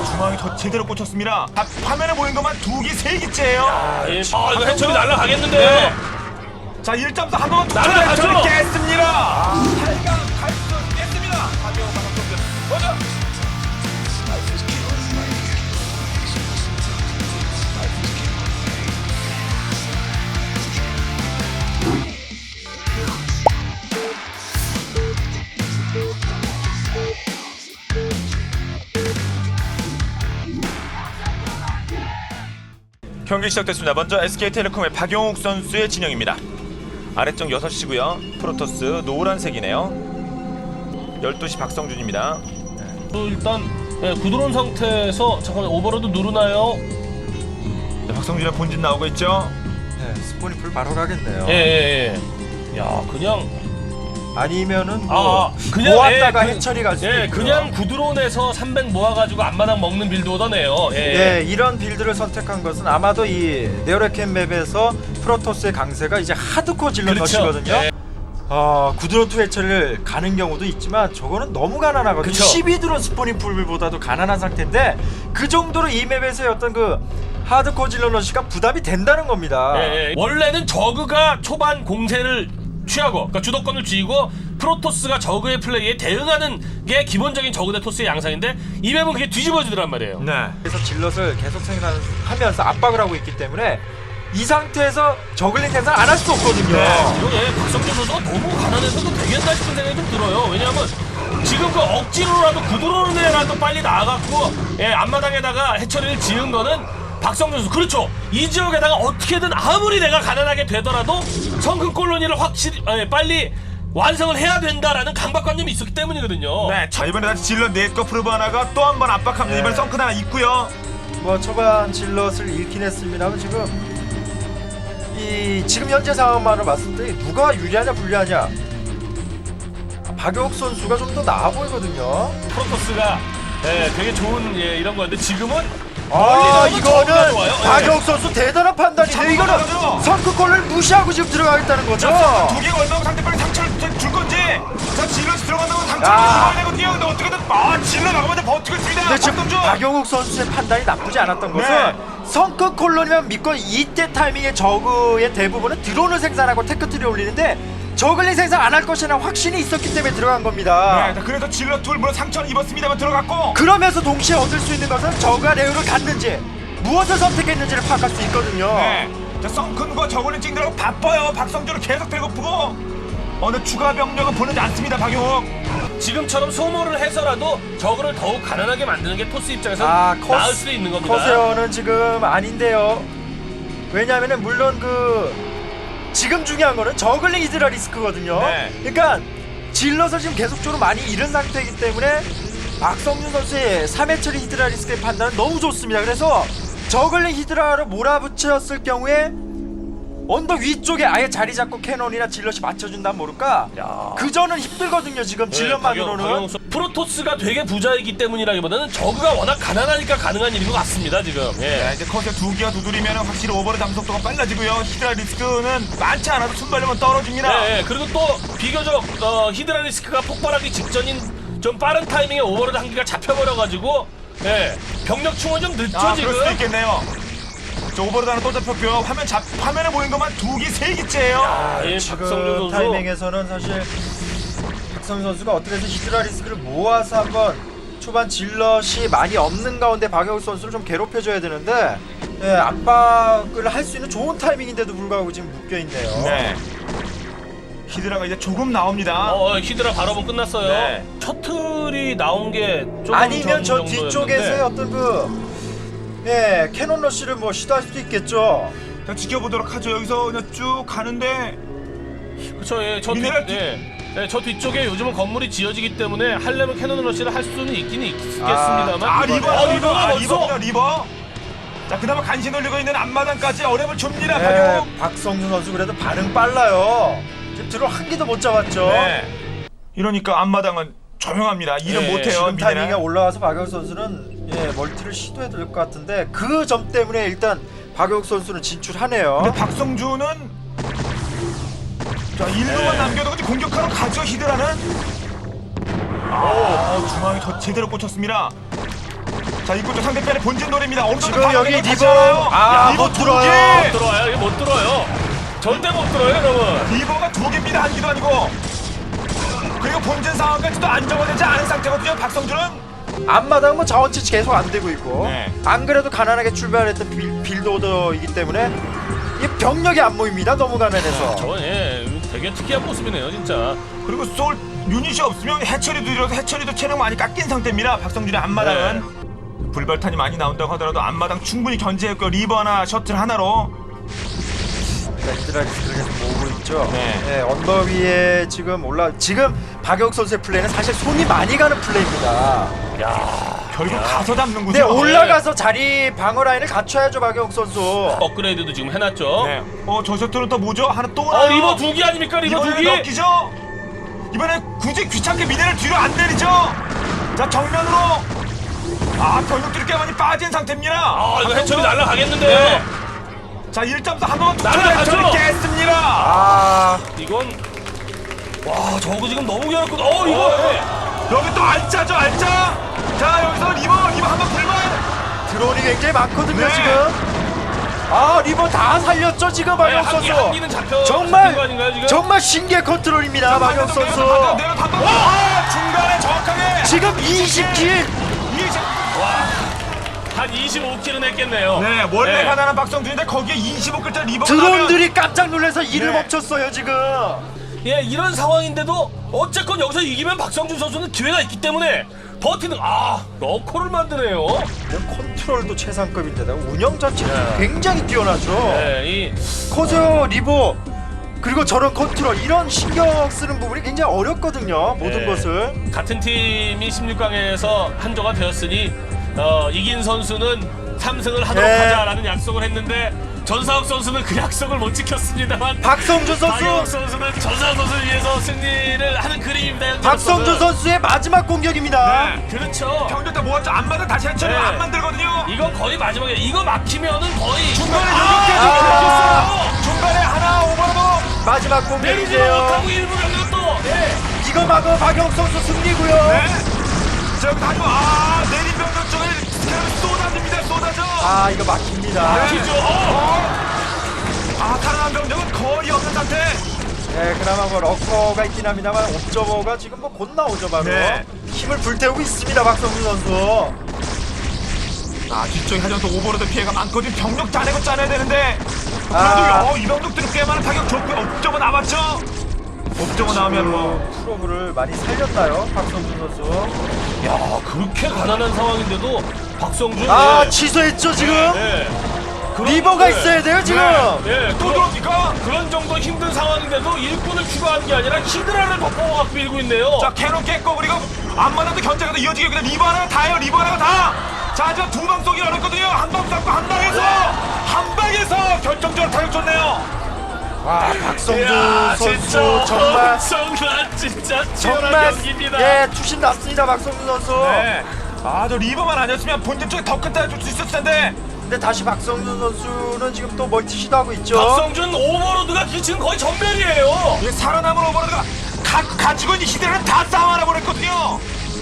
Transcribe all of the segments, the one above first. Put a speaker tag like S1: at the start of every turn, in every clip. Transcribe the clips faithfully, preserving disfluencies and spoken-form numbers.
S1: 아, 중앙이 더 제대로 꽂혔습니다. 아, 화면에 보인 것만 두 기, 세 기째예요.
S2: 아, 예. 아 이거 해철이 날라가겠는데요.
S1: 네. 자, 일 점 사 한번
S2: 날아가죠.
S1: 해철이 깼습니다. 아, 팔 강 갈 수 깼습니다. 박영호 박성준 먼저. 경기 시작됐습니다. 먼저 에스케이텔레콤의 박용욱 선수의 진영입니다. 아래쪽 여섯 시고요. 프로토스 노란색이네요. 열두 시 박성준입니다.
S2: 또 일단 예, 구드론 상태에서 잠깐만 오버로드 누르나요?
S1: 네, 박성준의 본진 나오고 있죠.
S3: 네, 스폰이 불 바로 가겠네요.
S2: 예예예. 예, 예. 야 그냥
S3: 아니면은 뭐
S2: 아 그냥
S3: 모았다가
S2: 예,
S3: 해처리 갈 수도
S2: 예,
S3: 있고요.
S2: 그냥 구드론에서 삼백 모아가지고 앞마당 먹는 빌드 오더네요. 예.
S3: 네, 이런 빌드를 선택한 것은 아마도 이 네오레켄 맵에서 프로토스의 강세가 이제 하드코어 질러
S2: 그렇죠.
S3: 넣으시거든요.
S2: 예.
S3: 어, 구드론 투 해처리를 가는 경우도 있지만 저거는 너무 가난하거든요.
S2: 그쵸.
S3: 십이 드론 스포닝 풀보다도 가난한 상태인데 그 정도로 이 맵에서의 어떤 그 하드코어 질러 러시가 부담이 된다는 겁니다.
S2: 예, 예. 원래는 저그가 초반 공세를 취하고 그러니까 주도권을 쥐고 프로토스가 저그의 플레이에 대응하는 게 기본적인 저그 대 토스의 양상인데 이 맵은 그게 뒤집어지더란 말이에요.
S1: 네.
S3: 그래서 질럿을 계속 생산하면서 압박을 하고 있기 때문에 이 상태에서 저글링 생산 안 할 수 없거든요.
S1: 네.
S2: 이거 예, 박성준 선수가 너무 가난해서도 되겠나 싶은 생각이 좀 들어요. 왜냐하면 지금 그 억지로라도 구드론에라도 빨리 나와갖고 예, 앞마당에다가 해처리를 지은 거는 박성준 선수 그렇죠. 이 지역에다가 어떻게든 아무리 내가 가난하게 되더라도 성큼 콜로니를 확실히 예, 빨리 완성을 해야 된다라는 강박관념이 있었기 때문이거든요.
S1: 네. 자, 이번에 다시 질러 넷과 프로브 하나가 또 한 번 압박합니다.
S3: 네.
S1: 이번에 성큰 하나 있고요.
S3: 뭐 초반 질럿을 잃긴 했습니다만 지금 이 지금 현재 상황만을 봤을 때 누가 유리하냐 불리하냐 박용욱 선수가 좀 더 나아 보이거든요.
S2: 프로토스가 예, 되게 좋은 예, 이런 거였는데 지금은
S3: 아
S2: 멀리 나오면 저거가
S3: 이거는
S2: 좋아요. 예.
S3: 박용욱 선수 대단한 판단이에요.
S1: 잡은
S3: 이거는
S1: 거죠.
S3: 선크골을 무시하고 지금 들어가겠다는 거죠.
S1: 두 개가 얼마나 상대방에 상처를 줄- 줄 건지. 자, 질러 들어간다고 상처를
S3: 야.
S1: 줘야 되거든요. 근데 어떻게든 아, 질러 나가면 버티고 있습니다.
S3: 근데 지금
S1: 박성준.
S3: 박용욱 선수의 판단이 나쁘지 않았던 것은
S1: 네.
S3: 성급 콜론이면 믿고 이때 타이밍에 저그의 대부분은 드론을 생산하고 테크트리 올리는데 저글링 생산 안 할 것이나 확신이 있었기 때문에 들어간 겁니다.
S1: 네, 자, 그래서 질러 둘 물론 상처는 입었습니다만 들어갔고.
S3: 그러면서 동시에 얻을 수 있는 것은 저그가 레오를 갔는지 무엇을 선택했는지를 파악할 수 있거든요.
S1: 네. 자, 성큰과 저글링 찍느라고 바빠요. 박성준은 계속 배고프고. 어느 추가 병력은 보내지 않습니다. 박용욱.
S2: 지금처럼 소모를 해서라도 저그를 더욱 가난하게 만드는 게 토스 입장에서
S3: 아,
S2: 는
S3: 커스-
S2: 나을 수도 있는 겁니다.
S3: 커세어는 지금 아닌데요. 왜냐하면은 물론 그 지금 중요한 거는 저글링 히드라 리스크거든요.
S1: 네.
S3: 그러니까 질러서 지금 계속적으로 많이 잃은 상태이기 때문에 박성준 선수의 삼 회처리 히드라 리스크의 판단은 너무 좋습니다. 그래서 저글링 히드라로 몰아붙였을 경우에 언덕 위쪽에 아예 자리 잡고 캐논이나 질럿이 맞춰준다면 모를까?
S2: 야.
S3: 그저는 힘들거든요. 지금
S2: 네,
S3: 질럿만으로는.
S2: 박영- 박영욱 선- 프로토스가 되게 부자이기 때문이라기보다는 저그가 워낙 가난하니까 가능한 일인 것 같습니다. 지금. 예.
S1: 네, 이제 컷에 두 개가 두드리면 확실히 오버의 감속도가 빨라지고요. 히드라 리스크는 많지 않아도 순발력은 떨어집니다.
S2: 네, 예. 그리고 또 비교적 어, 히드라 리스크가 폭발하기 직전인 좀 빠른 타이밍에 오버로드 한 개가 잡혀버려가지고 예. 병력 충원 좀 늦죠
S1: 아,
S2: 지금.
S1: 그럴 수도 있겠네요. 저 오버로드 하나 또 잡혔고요. 화면 잡 화면에 보인 것만 두 개, 세 개째예요.
S2: 아, 예,
S3: 지금
S2: 박성준 선수.
S3: 타이밍에서는 사실 박성준 선수가 어떻게 해서 히드라 리스크를 모아서 한번 초반 질럿이 많이 없는 가운데 박영욱 선수를 좀 괴롭혀줘야 되는데 예, 압박을 할 수 있는 좋은 타이밍인데도 불구하고 지금 묶여있네요.
S1: 네. 히드라가 이제 조금 나옵니다.
S2: 어, 어, 히드라 발업은 끝났어요.
S1: 네.
S2: 셔틀이 나온 게 조금
S3: 아니면 저
S2: 전
S3: 뒤쪽에서의
S2: 정도였는데.
S3: 어떤 그 예, 캐논 러쉬를 뭐 시도할 수도 있겠죠.
S1: 자, 지켜보도록 하죠. 여기서 그냥 쭉 가는데
S2: 그쵸, 예, 저, 뒤,
S1: 미네랄 뒤-
S2: 예, 예, 저 뒤쪽에 요즘은 건물이 지어지기 때문에 하려면 캐논 러시를 할 수는 있긴 있겠습니다만.
S1: 아, 리버,
S2: 어,
S1: 리버,
S2: 리버가
S1: 아,
S2: 벌써.
S1: 리버군요, 리버. 자, 그나마 간신 올리고 있는 앞마당까지 어려움을 줍니다.
S3: 네,
S1: 박용욱.
S3: 박성준 선수 그래도 반응 빨라요. 지금 드론 한 개도 못 잡았죠.
S1: 네. 이러니까 앞마당은 조용합니다. 일은
S2: 네,
S1: 못해요.
S3: 지금 타이밍에
S1: 미네랄.
S3: 올라와서 박영욱 선수는 예, 멀티를 시도해야 될 것 같은데 그 점 때문에 일단 박영욱 선수는 진출하네요.
S1: 근데 박성준은 자, 일루만
S2: 네.
S1: 남겨두고 공격하러 가죠. 히드라는. 아, 중앙이 더 제대로 꽂혔습니다. 자, 자 이것도 상대편의 본진 노래입니다. 어느 정도
S3: 지금 여기
S1: 방어력이
S3: 리버
S1: 괜찮아요.
S3: 아
S1: 리버
S3: 못
S1: 두
S3: 들어요.
S1: 개.
S2: 못 들어와요. 이거 못 들어요. 절대 못 들어요, 여러분.
S1: 리버가 두 개입니다. 한 기도 아니고. 그리고 본진 상황까지도 안정화되지 않은 상태거든요. 박성준은.
S3: 앞마당 뭐 자원 채취 계속 안 되고 있고
S1: 네.
S3: 안 그래도 가난하게 출발했던 빌, 빌드오더이기 때문에 이 병력이 안 모입니다. 너무 가난해서.
S2: 저건 예, 되게 특이한 모습이네요, 진짜.
S1: 그리고 솔 유닛이 없으면 해처리도 이뤄서 해처리도 체력 많이 깎인 상태입니다. 박성준의 앞마당은.
S2: 네.
S1: 불발탄이 많이 나온다고 하더라도 앞마당 충분히 견제했고 리버 하나 셔틀 하나로.
S3: 그러니까 히드라리스크를 계속 모으고 있죠.
S1: 네.
S3: 네, 언더 위에 지금 올라 지금 박영 선수의 플레이는 사실 손이 많이 가는 플레이입니다.
S2: 야,
S1: 결국
S2: 야.
S1: 가서 잡는군요.
S3: 네, 올라가서 자리 방어 라인을 갖춰야죠, 박영 선수.
S2: 업그레이드도 지금 해놨죠.
S1: 네. 어, 저 셔틀은 또 뭐죠? 하나 또
S2: 어,
S1: 나요.
S2: 리버 두 개 아닙니까? 리버 두
S1: 이번에는
S2: 개.
S1: 넘기죠. 이번에 굳이 귀찮게 미네를 뒤로 안 내리죠. 자 정면으로. 아 병력들이 꽤 많이 빠진 상태입니다.
S2: 아, 이거 해처리 날라가겠는데요.
S1: 네. 자 일 점 사 한 번만
S2: 날아가죠.
S1: 해처리 깼습니다.
S3: 아,
S2: 이건 와, 저거 지금 너무 괴롭거든. 어, 이거.
S1: 어, 여기 또 알짜죠 알짜. 자 여기서 리버 리버 한번 불만.
S3: 드론이 굉장히 많거든요,
S1: 네.
S3: 지금. 아, 리버 다 살렸죠, 지금 박영
S2: 한 기,
S3: 선수.
S2: 한 기는 잡혀.
S3: 정말
S2: 잡힌 거 아닌가요, 지금?
S3: 정말 신기한 컨트롤입니다, 박영 선수.
S1: 내가 한번 아, 중간에 정확하게.
S3: 지금 이십 킬.
S1: 이십.
S2: 한 이십오 킬은 했겠네요.
S1: 네 원래
S2: 네.
S1: 가난한 박성준인데 거기에 이십오 글자 리버.
S3: 드론들이 깜짝 놀라서 일을
S1: 네.
S3: 멈췄어요, 지금.
S2: 예, 이런 상황인데도 어쨌건 여기서 이기면 박성준 선수는 기회가 있기 때문에 버티는. 아, 러커를 만드네요.
S3: 컨트롤도 최상급인데다가 운영 자체도
S2: 네.
S3: 굉장히 뛰어나죠.
S2: 네, 이
S3: 커세어 리버 그리고 저런 컨트롤 이런 신경 쓰는 부분이 굉장히 어렵거든요. 모든
S2: 네.
S3: 것을.
S2: 같은 팀이 십육 강에서 한조가 되었으니 어, 이긴 선수는 삼 승을 하도록
S3: 네.
S2: 하자라는 약속을 했는데 전사욱 선수는 그 약속을 못 지켰습니다만
S3: 박성준
S2: 박영욱
S3: 선수,
S2: 선수는 전사욱 선수를 위해서 승리를 하는 그림입니다. 현재
S3: 박성준
S2: 선수는.
S3: 선수의 마지막 공격입니다.
S1: 네.
S2: 그렇죠.
S1: 병력 다 모았죠. 안 맞아 다시 해처리
S2: 네.
S1: 안 만들거든요.
S2: 이거 거의 마지막에 이거 막히면은 거의
S1: 중간에
S2: 아,
S1: 여기까지
S3: 아.
S1: 아~ 중간에 하나 오버로도.
S3: 마지막
S2: 내리지
S3: 공격인데요.
S2: 못하고 일부 병력 또. 네.
S3: 이거 막어 박영 선수 승리고요.
S1: 네. 저기 가지고 아 내린 병력 쪽에 스캐널 쏟아집니다. 쏟아져.
S3: 아, 이거 막힙니다.
S1: 네.
S2: 막히죠. 어.
S1: 아 살아난 병력은 거의 없는 상태.
S3: 네, 그나마 뭐 러커가 있긴 합니다만 옵저버가 지금 뭐 곧 나오죠, 바로.
S1: 네.
S3: 힘을 불태우고 있습니다, 박성준 선수.
S1: 아 뒤쪽에 하지만 또 오버로드 피해가 많거든. 병력 짜내고 짜내야 되는데. 그래도
S3: 아.
S1: 어, 이 병력들이 꽤 많은 타격 좋고요. 옵저버 남았죠. 옵저버 나오면 뭐.
S3: 프로브를 많이 살렸나요, 박성준 선수?
S2: 야, 그렇게 가난한 상황인데도 박성준.
S3: 아,
S2: 예.
S3: 취소했죠, 지금.
S2: 네. 그런-
S3: 리버가
S2: 네.
S3: 있어야 돼요, 지금.
S2: 네,
S1: 또
S2: 그런,
S1: 들어옵니까?
S2: 그런 정도 힘든 상황인데도 일꾼을 추가한 게 아니라 히드라를 덮어갖고 밀고 있네요.
S1: 자 캐논 깼고 그리고 앞마당도 견제가 더 이어지게 그냥 리버 하나가 다예요. 리버 하나가 다. 자 하지만 두 방 쏘기 어렵거든요. 한 방 쐈고 한 방에서 한 방에서 결정적으로 타격 줬네요.
S3: 와, 박성준
S2: 이야,
S3: 선수
S2: 진짜
S3: 정말
S2: 엄청난 진짜 치열한
S3: 정말
S2: 경기입니다.
S3: 예, 투신 났습니다, 박성준 선수.
S1: 네. 아저 리버만 아니었으면 본진 쪽에 더 큰 타격 줄 수 있었을 텐데.
S3: 근데 다시 박성준 선수는 지금 또 멀티 시도하고 있죠.
S2: 박성준 오버로드가 지금 거의 전멸이에요.
S1: 이 살아남은 오버로드가 가, 가지고 있는 히드라를 다 싸워라 버렸거든요.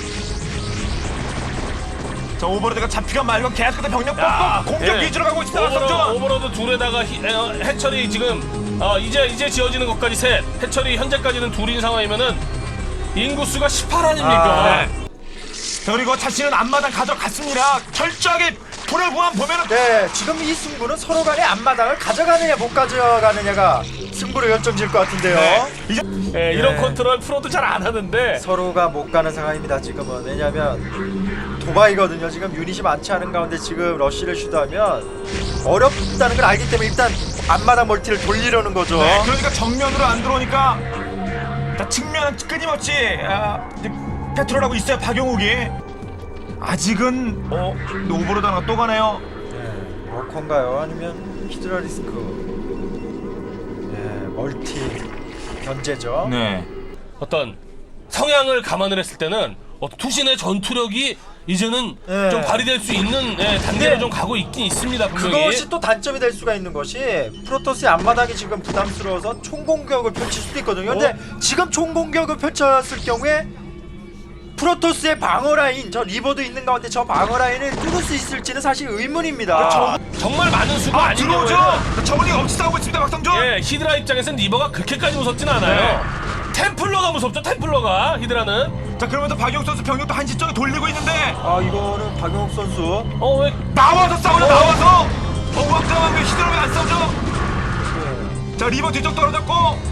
S1: 자 오버로드가 잡히가 말고 계속해서 병력
S2: 야,
S1: 뽑고 공격
S2: 예.
S1: 위주로 가고 있습니다.
S2: 오버로드,
S1: 박성준.
S2: 오버로드 둘에다가 히, 어, 해철이 지금 어, 이제 이제 지어지는 것까지 셋. 해철이 현재까지는 둘인 상황이면은 인구수가 십팔 아닙니까?
S3: 아,
S1: 네. 자, 그리고 자신은 앞마당 가져갔습니다. 철저하게 불을 보면 보면은
S3: 네, 지금 이 승부는 서로 간의 앞마당을 가져가느냐 못 가져가느냐가 승부를 결정질 것 같은데요.
S1: 네. 이제
S2: 예, 이런
S3: 네.
S2: 컨트롤 프로도 잘 안 하는데.
S3: 서로가 못 가는 상황입니다, 지금은. 왜냐면 도바이거든요. 지금 유닛이 많지 않은 가운데 지금 러쉬를 시도하면 어렵다는 걸 알기 때문에 일단 앞마당 멀티를 돌리려는 거죠.
S1: 네, 그러니까 정면으로 안 들어오니까 자, 측면은 끊임없이 아, 이제 패트롤하고 있어요. 박용욱이 아직은 어 오버로드 하나 또 가네요.
S3: 네, 러커인가요? 아니면 히드라리스크? 네, 멀티 견제죠.
S1: 네.
S2: 어떤 성향을 감안을 했을 때는 어, 투신의 전투력이 이제는
S3: 네.
S2: 좀 발휘될 수 있는 예, 단계로
S3: 네.
S2: 좀 가고 있긴 있습니다. 분명히.
S3: 그것이 또 단점이 될 수가 있는 것이 프로토스의 앞마당이 지금 부담스러워서 총공격을 펼칠 수도 있거든요. 근데 지금 총공격을 펼쳤을 경우에 프로토스의 방어 라인, 저 리버도 있는 가운데 저 방어 라인을 뚫을 수 있을지는 사실 의문입니다.
S1: 저-
S2: 정말 많은 수가
S1: 아,
S2: 아닌
S1: 들어오죠.
S2: 경우에는
S1: 저글링 엄청 싸우고 있습니다. 박성준.
S2: 예, 히드라 입장에서는 리버가 그렇게까지 무섭진 않아요. 템플러가 무섭죠, 템플러가 히드라는.
S1: 자, 그러면서 박용 선수 병력도 한시 쪽에 돌리고 있는데
S3: 아 이거는 박용욱 선수
S2: 어, 왜
S1: 나와서 싸우려 나와서 어부왕장한 게 히드라면 안 싸우죠. 자, 리버 뒤쪽 떨어졌고,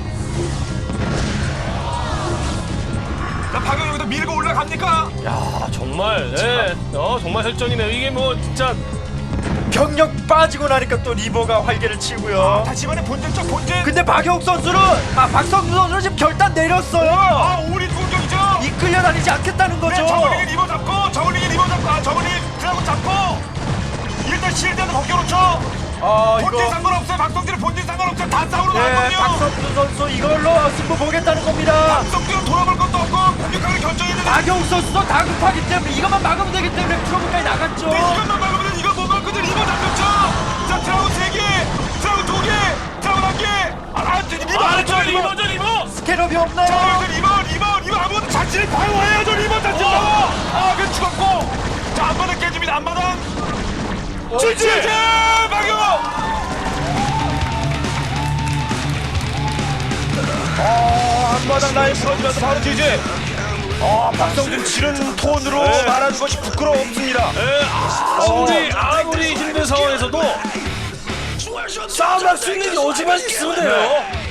S1: 자, 박용 여기도 밀고 올라갑니까?
S2: 야, 정말 예. 어, 정말 설전이네요. 이게 뭐 진짜
S3: 병력 빠지고 나니까 또 리버가 활개를 치고요.
S1: 다시 이번에 본진 쪽 본진.
S3: 근데 박용욱 선수는 아 박성준 선수는 지금 결단 내렸어요.
S1: 아, 우리 공격이죠.
S3: 이끌려 다니지 않겠다는 거죠.
S1: 네, 저글링이 리버 잡고, 저글링이 리버 잡고, 아, 저글링 드라곤 잡고, 일단 실드는 벗겨놓죠.
S3: 아
S1: 본진
S3: 이거
S1: 상관없어요. 박성준은 본진 상관없어요. 다 싸우러
S3: 네
S1: 나왔거든요.
S3: 박성준 선수 이걸로 승부 보겠다는 겁니다.
S1: 박성준은 돌아볼 것도 없고 공격하는 결정했는데
S3: 박용욱 선수도 다급하기 때문에 이것만 막으면 되기 때문에 프로브까지 나갔죠.
S1: 네, 이것만 막으면 이거 못 막거든. 리버 잡혔죠. 자, 드라곤 세 개, 드라곤 두 개, 드라곤 한 개. 아, 아, 리버
S2: 아,
S1: 안
S2: 저
S1: 죠
S2: 리버죠, 리버.
S3: 스캐럽이 없나요?
S1: 자, 여기서 리버, 리버, 리버 아무것도 자신을 방어해야죠. 리버 자신 방어. 아, 그 죽었고. 자, 앞바닥 깨집니다. 앞바닥. 지지! 박용호! 어, 앞바닥 라인 풀어지면서 바로 지지. 어, 박성준 지른 톤으로
S2: 네.
S1: 말하는 것이 부끄럽습니다.
S2: 예, 아무리 아무리 힘든 상황에서도 싸움할 수 있는 여지만 있으면 돼요.